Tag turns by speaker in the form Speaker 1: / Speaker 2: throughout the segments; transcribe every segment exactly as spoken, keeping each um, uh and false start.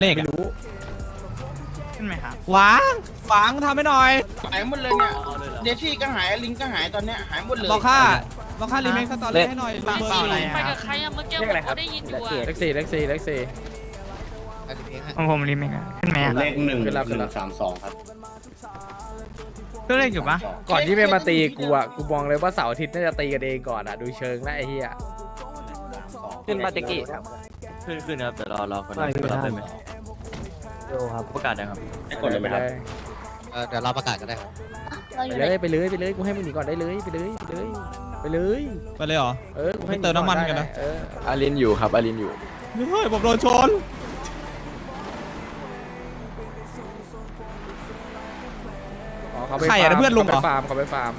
Speaker 1: เลขไม่รู้ขึ้นไหมครับหวังหวังทำให้หน่อย
Speaker 2: หายหมดเลยเนี่ยเดชี่ก็หายลิงก็หายตอนเนี้ยหายหมดเลย
Speaker 1: บอกค่าบอกค่ารีเมคสตอรี่ให้หน่อยเบอร์อะไร
Speaker 3: ไปกับใครอะเมื่อกี้ผมก็ได้ยินอยู่อะ
Speaker 4: เล็กสี่เล็กสี่เล็กสี่
Speaker 5: ของผมรีเมคขึ้นไหม
Speaker 6: เลขหนึ่งหนึ่งสามสองครับ
Speaker 5: ก็เลขอยู่ปะ
Speaker 4: ก่อนที่ไม่มาตีกูอ่ะกูมองเลยว่าเสาร์อาทิตย์น่าจะตีกันเองก่อนอ่ะดูเชิงแล้วไอ้เหี้ย
Speaker 7: ขึ้นมาตะกี้ขึ้นขึ้นนะครับแต่รอรอคนนั้นรับได้ไหมดูครับประกาศนะครับ
Speaker 6: ให้กดเลยไหมครับ
Speaker 8: เดี๋ยวเราประกาศก็ได้ครับ
Speaker 4: ไปเลยไปเลยไปเลยกูให้มึงหนีก่อนได้เลยไปเลยไปเลยไปเลย
Speaker 1: ไปเลยเหรอ
Speaker 4: เออกูให้
Speaker 1: ไม่เติมน้ำมันกันนะ
Speaker 4: เออ
Speaker 7: อารินอยู่ครับอารินอยู่
Speaker 1: เฮ้ยผมโดนชน
Speaker 4: อ๋อเขาไป
Speaker 1: ใครอะเพื่อนลุงเหรอ
Speaker 4: เขาไปฟาร์มเขาไปฟาร์ม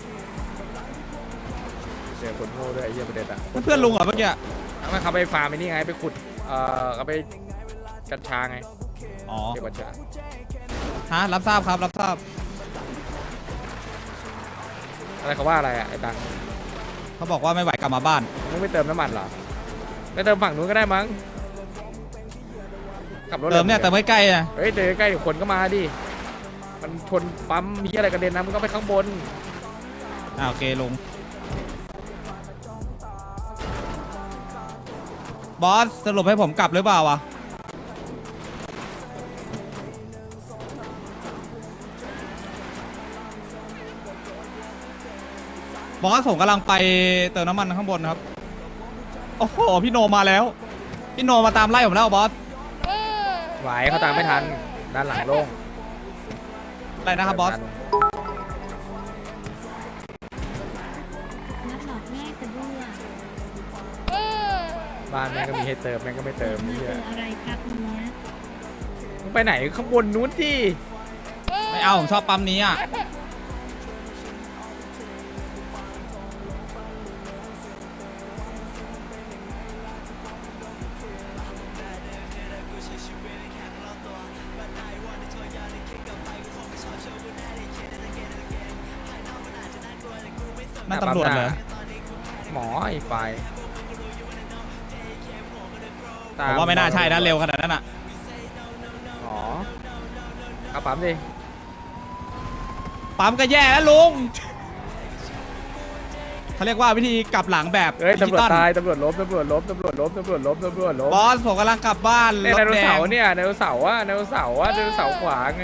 Speaker 4: เจอคนโง่ด้วยไอ้เหี้ยประเด็นอ่ะ
Speaker 1: เพื่อนลุงเหรอเมื่อกี้
Speaker 4: ไม่เขาไปฟาร์มไอ้นี่ไงไปขุดเอ่อเขาไปกัญชาไง
Speaker 1: อ๋อ
Speaker 4: เก็บกัญชา
Speaker 1: ฮะรับทราบครับรับทราบ
Speaker 4: อะไรเขาว่าอะไรอ่ะไอ้ตัง
Speaker 1: เขาบอกว่าไม่ไหวกลับมาบ้าน
Speaker 4: มึงไม่เติมน้ำมันเหรอไม่เติมฝั่งนู้นก็ได้มั้งขับรถ
Speaker 1: เติมเนี่ยเติมใกล้ๆนะ
Speaker 4: เฮ้ยเดินใกล้ๆคนก็มาดิมันชนปั๊มมีอะไรกระเด็นนะมึงก็ไปข้างบน
Speaker 1: อ่าโอเคลุงบอสสรุปให้ผมกลับหรือเปล่าวะบอสผมกำลังไปเติมน้ำมันข้างบนครับโอ้โหพี่โนมาแล้วพี่โนมาตามไล่ผมแล้วบอส
Speaker 4: ไหวเขาตามไม่ทันด้านหลังโล่ง
Speaker 1: อะไรนะครับบอส
Speaker 9: นัดหลอกแม่กระด้วย
Speaker 4: บ้านแม่งก็มีให้เติมแม่งก็ไม่เติม
Speaker 9: มา
Speaker 4: เหี้
Speaker 9: เจ
Speaker 4: ย
Speaker 9: ออะไรครับเนี้ย
Speaker 4: มึงไปไหนข้างบนนู้นที่
Speaker 1: ไม่เอาผมชอบปั๊มนี้อ่ะนั่นตำรวจเหรอ
Speaker 4: หมอไอ้ไฟ
Speaker 1: ผมว่าไม่น่าใช่นะเร็วขนาดนั้นอ่ะ
Speaker 4: หมอเอาปั๊มดิ
Speaker 1: ปั๊มก็แย่แล้วลุงเขาเรียกว่าวิธีกลับหลังแบบ
Speaker 4: เฮ้ย
Speaker 1: ดิจิ
Speaker 4: ตำรวจ
Speaker 1: ตอล
Speaker 4: ตายตำรวจล้มตำรวจล้มตำรวจล้มตำรวจล้มตำรวจล้ม
Speaker 1: บอสผมกำลังกลับบ้าน
Speaker 4: เนี่ย
Speaker 1: ร
Speaker 4: ได
Speaker 1: ถ
Speaker 4: โน
Speaker 1: แด
Speaker 4: เสาง ร์เนี่ยไดโนเสาร์อะไดโนเสาร์อะไดโนเสาร์ขวาไง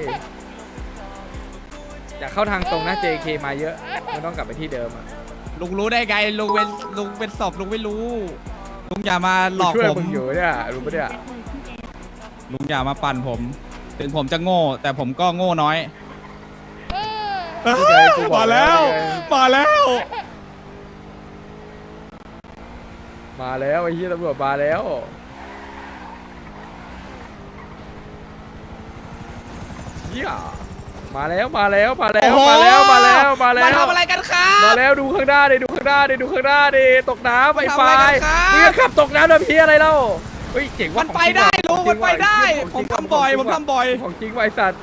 Speaker 4: อยากเข้าทางตรงนะ เจ เค มาเยอะไม่ต้องกลับไปที่เดิมอะ
Speaker 1: ลุงรู้ได้ไงลุงเป็นลุงเป็นศพลุงไม่รู้ลุงอย่ามาหลอก
Speaker 4: ช่วย
Speaker 1: ผม
Speaker 4: มึงอยู่เนี่ยรู้ปะเนี่ย
Speaker 1: ลุงอย่ามาปั่นผม ถึงผมจะโง่ แต่ผมก็โง่น้อยมาแล้วมาแล้ว
Speaker 4: มาแล้วไอ้ที่ตำรวจมาแล้วเหี้ยมาแล้วมาแล้วมาแล้วมาแล้วมาแล้วมาแล้ว
Speaker 1: มาทำอะไรกันครับ
Speaker 4: มาแล้วดูข้างหน้าดิดูข้างหน้าดิดูข้างหน้าดิตกน้ำไอ้ไฟ
Speaker 1: มาทำอะไรกันครับ
Speaker 4: มึงจะขับตกน้ำแบบพี่อะไรเล่าเฮ้ยเจ๋งว่ะ
Speaker 1: มันไปได้ลุงมันไปได้ ผมทำบ่อยผมทำบ่อย
Speaker 4: ของจริงไวะไอ้สัตว์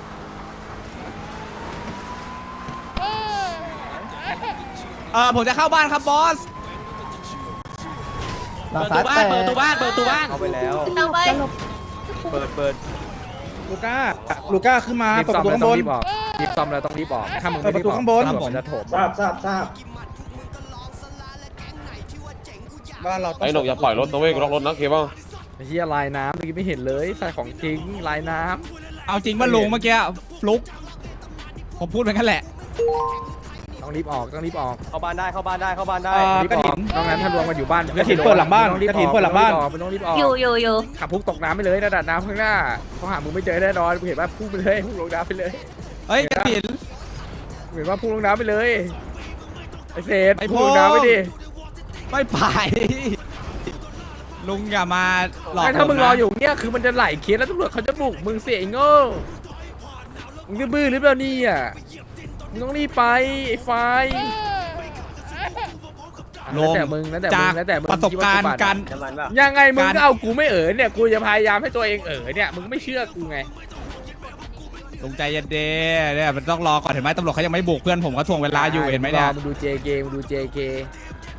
Speaker 1: เออผมจะเข้าบ้านครับบอส
Speaker 7: เปิดตู้บ้านเปิดตู้บ้านเปิดตู้บ้านเอาไปแล้ว
Speaker 9: เอาไป
Speaker 7: เปิดเปิด
Speaker 2: ลูก้าลูก้าขึ้นมา
Speaker 4: รีบ
Speaker 2: เปิด
Speaker 4: ซ่อ
Speaker 2: ป
Speaker 4: ม
Speaker 2: ระตู
Speaker 4: แล้ว
Speaker 2: ข้าง
Speaker 4: ต้อง
Speaker 2: บน
Speaker 4: รีบออกรีบซ่อมแล้วต้องรีบออกถ้ามึงไม่รีบออก
Speaker 2: เปิดประตูข้างบน
Speaker 4: ตำรวจมันจะโถม
Speaker 2: ทราบทราบทราบบ้านเรา
Speaker 6: ไอ้หนกอย่าปล่อยรถนะเว้ยกูล็อกรถนะเคบ้าง
Speaker 4: ไอ้เหี้ยลายน้ำเมื่อกี้ไม่เห็นเลยใส่ของจริงลายน้
Speaker 1: เอาจริงว่าลุงเมื่อกี้ฟลุกผมพูดไปงั้นแหละ
Speaker 4: ำต้องรีบออกต้องรีบออก
Speaker 7: เข้าบ้านได้เข้าบ้านได้เข้าบ้านได้
Speaker 2: อ่า
Speaker 4: รีบ
Speaker 2: กระ
Speaker 4: อ
Speaker 2: ถิ
Speaker 4: อก
Speaker 2: น
Speaker 4: นอกนั้นถ้ารวมกันอยู่บ้าน
Speaker 2: กระถิ่นเปิดหลังบ้าน
Speaker 4: ต้องรีบ
Speaker 2: กระถิ่นเปิดหลังบ้าน
Speaker 4: มันต้องรีบออก
Speaker 9: อยู่อยู่อยู่
Speaker 4: ขับพุ่งตกน้ำไปเลยระดับน้ำข้างหน้าเขาหามึงไม่เจอแน่นอนกูเห็นว่าพุ่งไปเลยพุ่งลงน้ำไปเลย
Speaker 1: เฮ้ยกระถิน
Speaker 4: กูเห็นว่าพุ่งลงน้ำไปเลยไอ้เศษ
Speaker 1: ไอ้
Speaker 4: พุ่งลงน้ำไปดิ
Speaker 1: ไม่ไปลุงอย่ามาหลอก
Speaker 4: ไม่ถ้ามึง
Speaker 1: ผนะ
Speaker 4: รออยู่เนี่ยคือมันจะไหลเคสแล้วตำรวจเขาจะบุกมึงเสียไอ้โง่มึงจะบื้อหรือเปล่านี่อ่ะมึงต้องรีบไปไอ้ไฟ
Speaker 1: ล
Speaker 4: แล้ว
Speaker 1: ง
Speaker 4: แต่มึงแล้วแต่มึ
Speaker 1: จาก
Speaker 4: งแล้วแต่มึง
Speaker 1: ประสบการณ์
Speaker 4: คิดว่
Speaker 1: การ
Speaker 7: น้ำมันป่ะ
Speaker 4: ยังไงมึง
Speaker 1: การ
Speaker 4: ก็เอากูไม่เอ๋อเนี่ยกูจะพยายามให้ตัวเองเอ๋อเนี่ยมึงไม่เชื่อกูไง
Speaker 1: ลุงใจเย็นเด้เนี่ยมันต้องรอก่อนเห็นไหมตำรวจเขายังไม่บุกเพื่อนผมเขาทวงเวลาอยู่เห็นไหมเนี่ย
Speaker 4: มึงดู เจ เค มึงดู เจ เค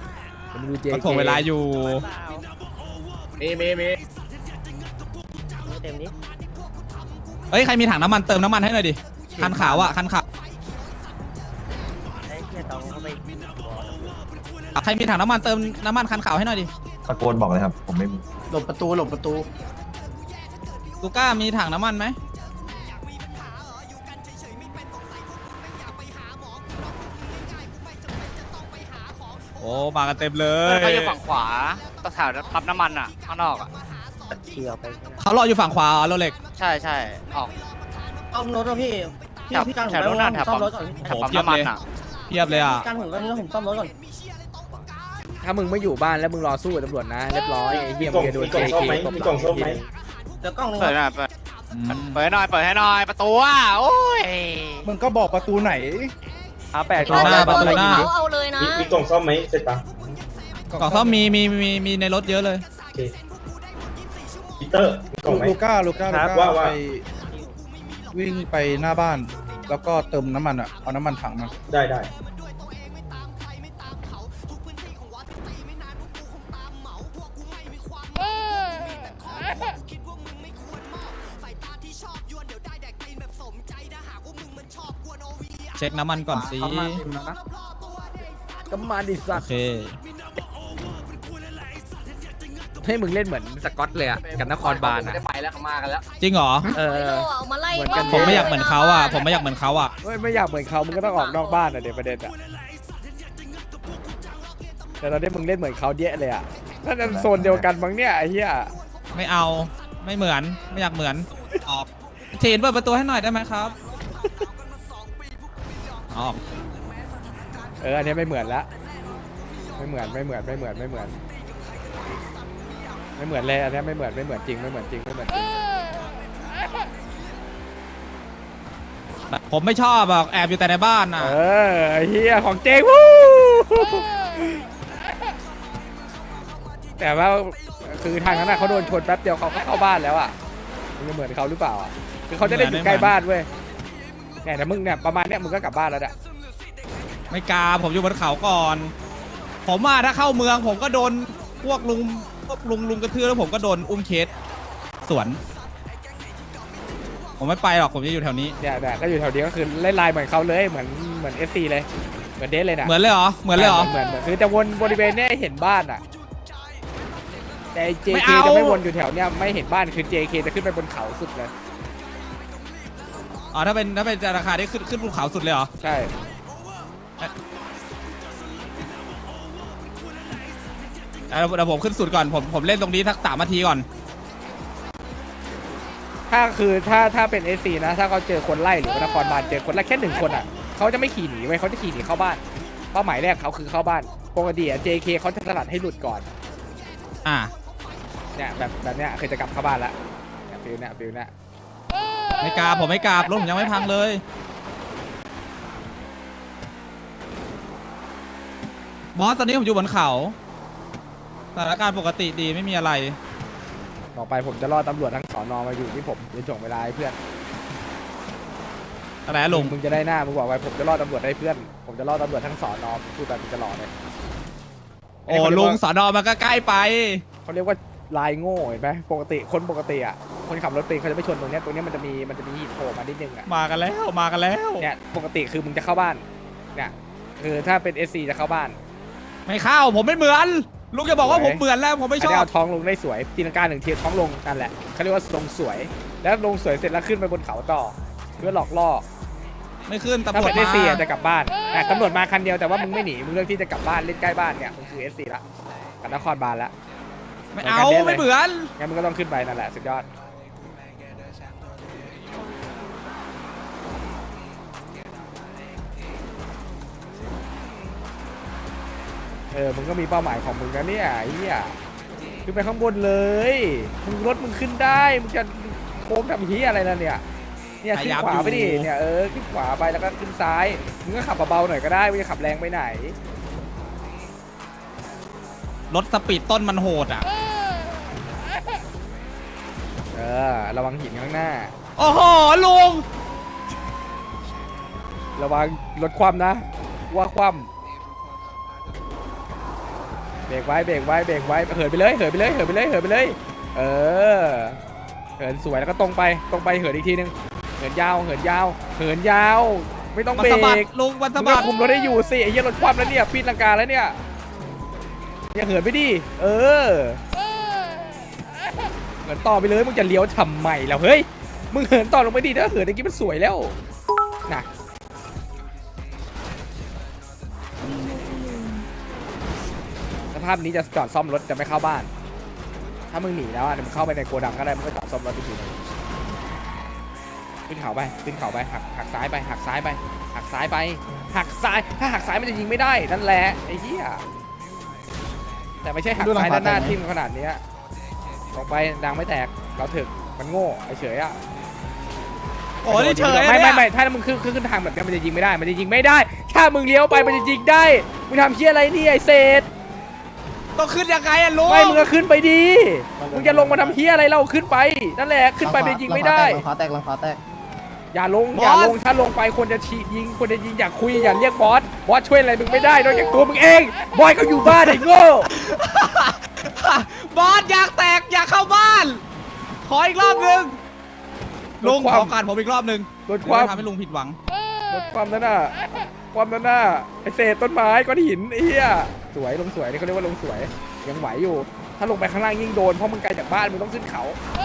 Speaker 4: มึงดู เจ เค
Speaker 1: เขาทวงเวลาอยู่
Speaker 6: เมเมเม
Speaker 10: ต็มนี้
Speaker 1: เอ้ยใครมีถังน้ำมันเติมน้ำมันให้หน่อยดิคันขาวอ่ะคันขาว
Speaker 10: ไอ้เหี้ยต้องเข้าไป
Speaker 1: ใครมีถังน้ำมันเติมน้ำมันคันขาวให้หน่อยดิ
Speaker 11: ตะโกนบอกเลยครับ ผมไม่มี
Speaker 2: หลบประตูหลบประตู
Speaker 1: ลูก้ามีถังน้ำมันไหมโอ้มากันเต็มเลย
Speaker 5: เขาอยู่ฝั่งขวาตะแถวปั๊มน้ำมันอ่ะข้างนอกอ่ะ
Speaker 10: เชี่ยวไป
Speaker 1: เขารออยู่ฝั่งขวาโรเล็ก
Speaker 5: ใช่ใช่ออก
Speaker 10: ซ่อมรถอ่ะพี่พี่
Speaker 5: แถว
Speaker 10: พี่การ
Speaker 5: แถวนู้นน่ะแถว
Speaker 10: ซ่อ
Speaker 5: ปั๊
Speaker 10: ม
Speaker 5: ม
Speaker 10: รถก่อน
Speaker 5: แถวปั๊มน้ำมันอ่ะ
Speaker 1: เพียบเลยอ่ะ
Speaker 10: การผมก็นี่ผมซ่อมรถก่อน
Speaker 4: ถ้ามึงไม่อยู่บ้านแล้วมึงรอสู้กับตำรวจนะเรียบร้อยไอ้เหี้ยมึงจะโดน เจ เค ตบหลัง
Speaker 10: เดี๋ยวกล้องนึง
Speaker 5: เปิดหน่อยเปิดเปิดให้หน่อยเปิดให้หน่อยประตูอ่ะโอ้ย
Speaker 11: มึงก็บอกประตูไหน
Speaker 4: อาแปด
Speaker 1: ประตูหน้าประตูหน้า
Speaker 3: เขาเอาเลยนะ
Speaker 6: มีกล่องซ่อมไหมเสร็จปะ
Speaker 1: กล่องซ่อมมีมีมีมีในรถเยอะเลย
Speaker 6: ปีเตอร์มีกล่องไหม
Speaker 11: ลูก้า ลูก้า ลู
Speaker 6: ว่า
Speaker 11: ก้า
Speaker 6: ว่า
Speaker 11: ไปวิ่งไปหน้าบ้าน แล้วก็เติมน้ำมันอ่ะ เอาน้ำมันถังมา
Speaker 6: ได้ได้
Speaker 1: เช็คน้ำมันก่อนสิ
Speaker 4: ก็มาดิสั
Speaker 1: โอ
Speaker 4: ตว์
Speaker 1: เค
Speaker 4: ให้มึงเล่นเหมือนสกอตเลยอ่ะกับนครบาลอ่ะ
Speaker 7: ไปแล้วเขามากันแล้ว
Speaker 1: จริงเหรอ
Speaker 4: เออ
Speaker 3: เอามาไล่
Speaker 4: เหมือนกัน
Speaker 1: ผมไม่อยากเหมือนเขาอ่ะผมไม่อยากเหมือนเขาอ่ะ
Speaker 4: ไม่ไม่อยากเหมือนเขามึงก็ต้องออกนอกบ้านอ่ะเดี๋ยวประเด็นอ่ะแต่ตอนนี้มึงเล่นเหมือนเขาเยอะเลยอ่ะน่าจะโซนเดียวกันมั้งเนี่ยไอ้เหี้ย
Speaker 1: ไม่เอาไม่เหมือนไม่อยากเหมือนออกเชนเปิดประตูให้หน่อยได้ไหมครับออก
Speaker 4: เอออันนี้ไม่เหมือนละไม่เหมือนไม่เหมือนไม่เหมือนไม่เหมือนไม่เหมือนเลยอันนี้ไม่เหมือนไม่เหมือนจริงไม่เหมือนจริงไม่เหมือนจริง
Speaker 1: ผมไม่ชอบอ่ะแอบอยู่แต่ในบ้านอ่ะ
Speaker 4: เออไอ้เฮียของเจ๊วู้แต่ว่าคือทางนั้นน่ะเขาโดนชนแป๊บเดียวเขาก็เข้าบ้านแล้วอ่ะมึงจะเหมือนเขาหรือเปล่าอ่ะคือเขาจะได้อยู่ใกล้บ้านเว้ยเนี่ยแต่มึงเนี่ยประมาณเนี้ยมึงก็กลับบ้านแล้วอ่ะ
Speaker 1: ไม่กล้าผมอยู่บนเขาก่อน ผมว่าถ้าเข้าเมืองผมก็โดนพวกลุงพวกลุงลุงกระทืบแล้วผมก็โดนอุ้มเคสสวน ผมไม่ไปหรอกผมจะอยู่แถวนี้
Speaker 4: เนี่ยเนี่ยก็อยู่แถวนี้ก็คือเล่นไลน์เหมือนเขาเลยเหมือนเหมือนเอฟซีเลยเหมือนเดสเลยนะ
Speaker 1: เหมือนเลยเหรอเหมือนเลยเหรอ
Speaker 4: เหมือนเหมือนคือจะวนบริเวณเนี้ยให้เห็นบ้านอ่ะแต่เจ
Speaker 1: ไม่
Speaker 4: เค
Speaker 1: เอา
Speaker 4: จะไม่วนอยู่แถวเนี้ยไม่เห็นบ้านคือ เจ เค จะขึ้นไปบนเขาสุดเลย
Speaker 1: อ๋อถ้าเป็นถ้าเป็นราคาที่ขึ้นขึ้นภูเขาสุดเลยเหรอ
Speaker 4: ใช่
Speaker 1: เดี๋ยวเดี๋ยวผมขึ้นสุดก่อนผมผมเล่นตรงนี้สักสามนาทีก่อน
Speaker 4: ถ้าคือถ้าถ้าเป็นเอซีนะถ้าเขาเจอคนไล่หรือว่านครบาลเจอคนไล่แค่หนึ่งคนอ่ะเขาจะไม่ขี่หนีไว้ยเขาจะขี่หนีเข้าบ้านเป้าหมายแรกเขาคือเข้าบ้านปกติอะ เจ เค เขาจะสลัดให้หลุดก่อน
Speaker 1: อ่า
Speaker 4: เนี่ยแบบแบบเนี้ยเคยจะกลับเข้าบ้านละเนี่ยฟิลเนี่ยฟิลเนี่ย
Speaker 1: ไม่กล้าผมไม่กล้ารถผมยังไม่พังเลยบอสตอนนี้ผมอยู่บนเขาสถานการณ์ปกติดีไม่มีอะไร
Speaker 4: ต่อไปผมจะล่อตำรวจทั้งสอนอมาอยู่ที่ผมจะส่งเวลาให้เพื่อน
Speaker 1: อะไรนะลุง
Speaker 4: มึงจะได้หน้ามึงบอกไว้ผมจะล่อตำรวจให้เพื่อนผมจะล่อตำรวจทั้งสอนอพูดแบบมึงจะหล่อเลย
Speaker 1: โอ้ลุงสอนอมันก็ใกล้ไป
Speaker 4: เขาเรียกว่าลายโง่เห็นไหมปกติคนปกติอ่ะคนขับรถเป็นเขาจะไม่ชนตรงเนี้ยตรงเนี้ยมันจะมีมันจะมีหินโผล่มานิดนึงอ่ะ
Speaker 1: มากันแล้วมากันแล้ว
Speaker 4: เนี่ยปกติคือมึงจะเข้าบ้านเนี่ยคือถ้าเป็น เอส ซี จะเข้าบ้าน
Speaker 1: ไม่เข้าผมไม่เหมือนลุงจะบอกว่าผมเหมือนแล้วผมไม่ช
Speaker 4: น
Speaker 1: อ
Speaker 4: นี้
Speaker 1: บ
Speaker 4: เอาท้องลงได้สวยตีลังกาหนึ่งทีท้องลงนั่นแหละเขาเรียกว่าลงสวย แล้วลงสวยเสร็จแล้วขึ้นไปบนเขาต่อเพื่อหลอกล่อ
Speaker 1: ไม่ขึ้นตำ
Speaker 4: ถ้าร
Speaker 1: ว
Speaker 4: เป็
Speaker 1: จ
Speaker 4: น เอส ซี
Speaker 1: มา
Speaker 4: จะกลับบ้านแต่ตำรวจมาคันเดียวแต่ว่ามึงไม่หนีมึงเลือกที่จะกลับบ้านเล่นใกล้บ้านเนี่ยมึงคือ เอส ซี ละกับนครบาลละ
Speaker 1: ไม่เอาไม่เหมือน
Speaker 4: งั้นมึงก็ต้องขึ้นไปนั่นแหละสุดยอดเออมึงก็มีเป้าหมายของมึงนะเนี่ยไอ้เหี้ยขึ้นไปข้างบนเลยมึงรถมึงขึ้นได้มึงจะโค้งทำเหี้ยอะไรล่ะเนี่ยเนี่ยขึ้นขวาไปดิเนี่ยเออขึ้นขวาไปแล้วก็ขึ้นซ้ายมึงก็ขับเบาๆหน่อยก็ได้ไม่จะขับแรงไปไหน
Speaker 1: รถสปีดต้นมันโหดอ่ะ
Speaker 4: เออระวังหินข้างหน้า
Speaker 1: โอ้โหลุง
Speaker 4: ระวังรถคว่ำนะว่าคว่ำเบรกไว้เบรกไว้เบรกไว้เหินไปเลยเหินไปเลยเหินไปเลยเหินไปเลยเออเหินสวยแล้วก็ตรงไปตรงไปเหินอีกทีนึงเหินยาวเหินยาวเหินยาว ไม่ต้อง
Speaker 1: มัน
Speaker 4: เบร
Speaker 1: สะบัด
Speaker 4: ก
Speaker 1: ลุงมัน
Speaker 4: มึ
Speaker 1: สะ
Speaker 4: ง
Speaker 1: บั
Speaker 4: ก็
Speaker 1: ด
Speaker 4: คุมรถได้อยู่สิไอ้เหี้ยรถคว่ำแล้วเนี่ยปีนลังกาแล้วเนี่ยเนี่ยเหินไปดิเออเหินต่อไปเลยมึงจะเลี้ยวทำไมแล้วเฮ้ยมึงเหินต่อลงไปดิถ้าเหินเมื่อกี้มันสวยแล้วนะสภาพนี้จะจอดซ่อมรถจะไม่เข้าบ้าน ถ้ามึงหนีแล้วอ่ะเดี๋ยวมึงเข้าไปในโกดังก็ได้มึงก็จอดซ่อมรถอีกทีนึงขึ้นเขาไปขึ้นเขาไปหักหักซ้ายไปหักซ้ายไปหักซ้ายไปหักซ้ายถ้าหักซ้ายมันจะยิงไม่ได้นั่นแหละไอ้เหี้ยแต่ไม่ใช่หักซ้ายด้านหน้าทิ่มขนาดเนี้ยลงไปดังไม่แตกเราถึกมันโง่ไอ้เฉยอ่ะ
Speaker 1: โอ้ยเฉย
Speaker 4: ไม่ไม่
Speaker 1: ไม่
Speaker 4: ไม่ถ้ามึงขึ้นขึ้นขึ้นทางแบบนี้มันจะยิงไม่ได้มันจะยิงไม่ได้ถ้ามึงเลี้ยวไปมันจะยิงได้มึงทำเหี้ยอะไรนี่ไอ้เศษ
Speaker 1: ต้องขึ้นยังไงอะลุง
Speaker 4: ไม่มึงก็ขึ้นไปดีมึงจะลงมาทำเหี้ยอะไรเราขึ้นไปนั่นแหละขึ้นไปมันจะยิงไม่ได้
Speaker 10: ลังฟ้าแตกลังฟ้าแตก
Speaker 4: อย่าลงอย่าลงถ้าลงไปคนจะฉีดยิงคนจะยิงอยากคุยอย่าเรียกบอสบอสช่วยอะไรมึงไม่ได้นอกจากตัวมึงเองบอยเขาอยู่บ้านไอ้โง่
Speaker 1: บอสอยากแตกอยากเข้าบ้าน ขออีกรอบหนึ่งลุงขอการผมอีกรอบหนึ่ง
Speaker 4: ลดความ
Speaker 1: ทำให้ลุงผิดหวัง
Speaker 4: ลดความนั่นน่ะความนั่นน่ะไอเศษต้นไม้ก้อนหินไอ้เหี้ยสวยลงสวยนี่เขาเรียกว่าลงสวยยังไหวอยู่ ถ้าลงไปข้างล่างยิ่งโดนเพราะมึงไกลจากบ้านมึงต้องขึ้นเขา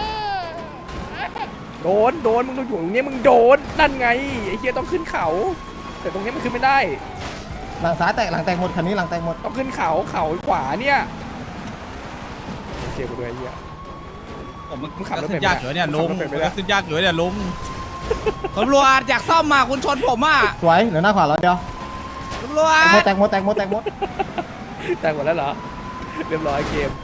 Speaker 4: โดนโดนมึงดูอยู่ตรงนี้มึงโดนนั่นไงไอ้เหี้ยต้องขึ้นเขา แต่ตรงนี้มันขึ้นไม่ได้
Speaker 10: หลังซ้ายแตกหลังแตกหมดคันนี้หลังแตกหมด
Speaker 4: ต้องขึ้นเขาเขาขวาเนี่ยเชียร์กูด้วยไอ้เหี้ย
Speaker 1: ผมมัน
Speaker 4: มึงขับรถ
Speaker 1: ขึ้
Speaker 4: เป็น
Speaker 1: นยากอยู่เนี่ยลุง
Speaker 4: ขับรถเป็นไหม
Speaker 1: มันก็ขึ้นยากอยู่เนี่ยลุงตำรวจอยากซ่อมมาคุณชนผมอ่ะ
Speaker 10: สวยเหลือหน้าขวาแล้วเดียว
Speaker 1: ตำรวจ
Speaker 10: หมดแตกหมดแตกหมดแตกหมด
Speaker 4: แต่งหมดแล้วเหรอเรียบร้อยเกม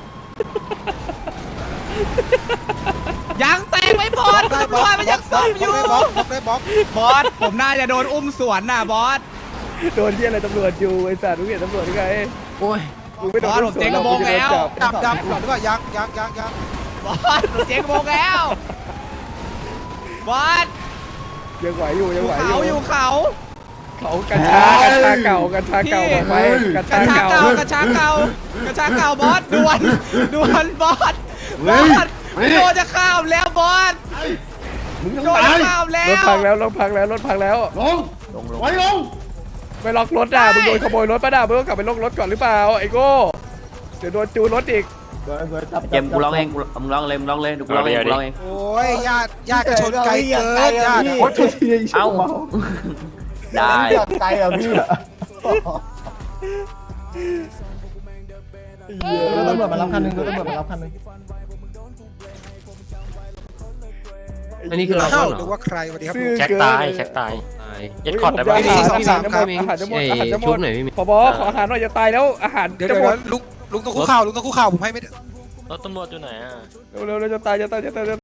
Speaker 1: ยังแตกไม่พอตำรวจมันยังซ่อมอยู่บอสผมน่าจะโดนอุ้มสวนน่ะบอส
Speaker 4: โดนเหี้ยอะไรตำรวจอยู่ไอ้สัตว์มึงเห็นตำรวจยังไง
Speaker 10: โอ้ย
Speaker 4: มึงไม่โดน
Speaker 1: บอสผมเจ๊งกระโปรงแล้ว
Speaker 10: ดับดับก่อนดีกว่ายังยังยังยัง
Speaker 1: บอสผมเจ๊งโมงแล้วบอส
Speaker 4: ยังไหวอยู่
Speaker 1: อ
Speaker 4: ยัง
Speaker 1: ยู่
Speaker 4: ไหวอ
Speaker 1: เขา
Speaker 4: ยู่
Speaker 1: อยู่เขา
Speaker 4: เขากัญชากัญชาเก่ากัญชาเก่าบอกไปกัญ
Speaker 1: กระ
Speaker 4: ชา
Speaker 1: ชาก
Speaker 4: เก่า
Speaker 1: เก่ากระชากเก่ากระชากเก่าบอสด่วนด่วนบอสบอสโดนจะข้ามแล้วบอส
Speaker 6: มึงต้อง
Speaker 1: โดน
Speaker 6: ตา
Speaker 1: จะ
Speaker 6: ย
Speaker 1: ข้ามแล้
Speaker 4: รถ
Speaker 1: ว
Speaker 4: พังแล้วรถพังแล้วรถพังแล้ว
Speaker 6: ลงไว้ลง
Speaker 4: ไปล็อกรถอ่ะมึงโดนขโมยรถป่ะด่ามึงต้องกลับไปล็อกรถก่อนหรือเปล่าไอ้โก้เดี๋ยวโดนจูนรถอีก
Speaker 7: เกมกูร้องเองกูมึงร้องเลยมึงร้องเลยดูกูร้องเองกูร้องเอง
Speaker 10: โอ้ยญาติญาติชนไกลเกินญาติ
Speaker 7: เอ้าได้
Speaker 10: ไกลอ่ะพี่รถตำรวจมารับคันหนึงรถตำรวจมารับคันหนึง
Speaker 7: อันนี้คือเรา
Speaker 10: เข้า
Speaker 7: เหร
Speaker 10: หรือ
Speaker 7: อ
Speaker 10: ว่าใครสวัสดีครับ
Speaker 4: ซื่อ
Speaker 7: แจ็ค
Speaker 4: เกิน
Speaker 7: ตายแจ็คตายเย็ดคอร์ดได้ปะ
Speaker 4: อาหาร
Speaker 10: สองสามครับ
Speaker 4: อาหารจะหมดอาหารจะหมดพอบอขออาหารหน่อยจะตายแล้วอาหาร
Speaker 10: เดี๋ยว
Speaker 4: จะ
Speaker 10: เดี๋ยว
Speaker 4: หมด
Speaker 10: ลุงลุงต้องคุกเข่าลุงต้องคุกเข่าผมให้ไม่ได้
Speaker 7: รถตำรวจอยู่ไหนอ่ะ
Speaker 4: เร็วๆจะตายจะตายจะตาย